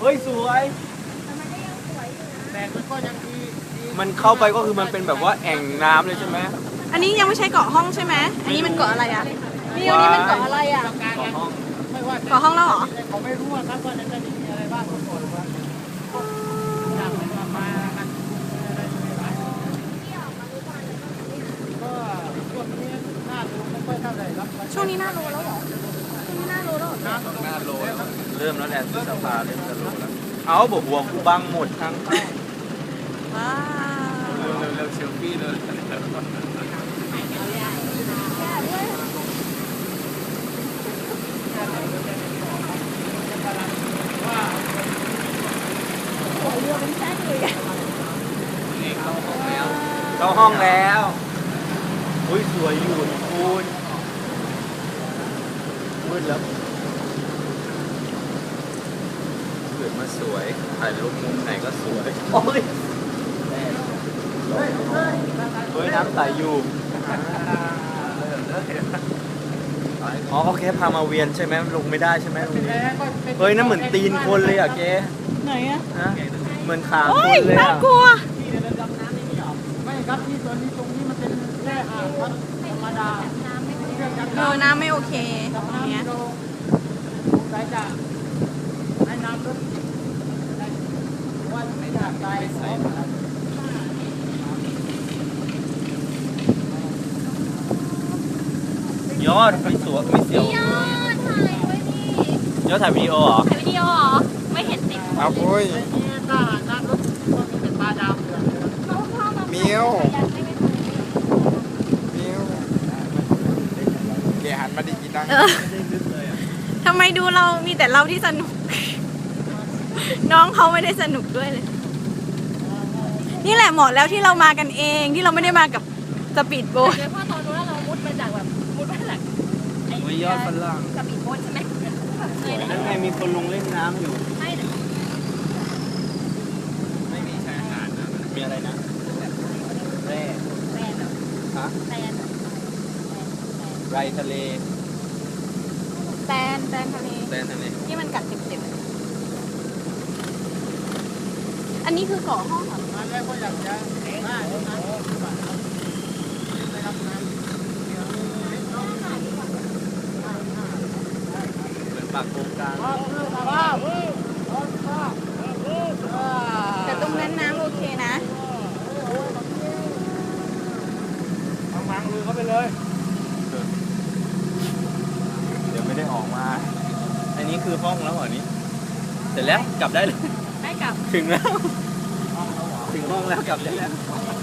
เฮ้ยสวยแต่มันก็ยังดีมันเข้าไปก็คือมันเป็นแบบว่าแอ่งน้ำเลยใช่ไหมอันนี้ยังไม่ใช่เกาะห้องใช่ไหมอันนี้มันเกาะอะไรอ่ะนี่อันนี้มันเกาะอะไรอ่ะเกาะห้องไม่ว่าเกาะห้องแล้วเหรอเขาไม่รู้ครับว่าจะมีอะไรบ้างทุกคนว่าจากมากันก็ช่วงนี้หน้าดูไม่ค่อยเท่าไหร่ครับช่วงนี้หน้าโลแล้วเหรอช่วงนี้หน้าโลแล้วเหรอหน้าโลแล้วเริ่มแล้วแหละพฤษภาเริ่มจะโลแล้วเอาบอกหัวกูบังหมดทางเข้าว้าวเร็วเซลฟี่เลยเข้าห้องแล้วอุ้ยสวยอยู่คุณมืดแล้วเกิดมาสวยถ่ายรูปมุมไหนก็สวยโอ้ยเฮ้ยน้ำใสอยู่อ๋อเขาแค่พามาเวียนใช่ไหมลงไม่ได้ใช่ไหมตรงนี้เฮ้ยนั่นเหมือนตีนคนเลยอ่ะแกไหนอ่ะฮะเหมือนขาคโอ้นยเลยน่าอ่ะกลัวไม่ครับที่ตอนนี้ตรงนี้มันเป็นแค่อ่างครับธรรมดาน้ำไม่โอเคตรงเนี้ยสายจะให้น้ำลดว่าไม่ได้ใจใส่ยอดไม่สวยไม่เสียวยอดถ่ายไว้นี่ยอดถ่ายวิดีโอเหรอถ่ายวิดีโอเหรอ ไม่เห็นติดครับโอ้ยไอ้นี่ถ้าน้ำลดก็มีเป็นปลาดาวเหลืองเมียวเมียวแกหันมาดิกีนังทำไมดูเรามีแต่เราที่สนุก น้องเขาไม่ได้สนุกด้วยเลย นี่แหละเหมาะแล้วที่เรามากันเองที่เราไม่ได้มากับสปีดโบ๊ทโดยเฉพาะตอนนู้นเรามุดมาจากแบบมุดมาจากโอ้ยยอดฝรั่งกระบี่โบ๊ทใช่ไหมเคยเลยนั่นไงมีคนลงเล่นน้ำอยู่ใช่เลยไม่มีชายหาดนะมีอะไรนะแร่แฟนแบบฮะแฟนแบบไรทะเลแตนทะเลแร่ทะเลที่มันกัดเจ็บๆอันนี้คือเกาะห้องเหรอมาแล้วก็อยากจะได้น้ำได้รับน้ำเหมือนปากโกงกลางแต่ตรงนั้นน้ำโอเคนะมังมือเข้าไปเลยเดี๋ยวไม่ได้ออกมา อันนี้คือห้องแล้วเหรอนี้เสร็จแล้วกลับได้เลยได้กลับถึงแล้ว ถึงห้องแล้วกลับได้แล้วไ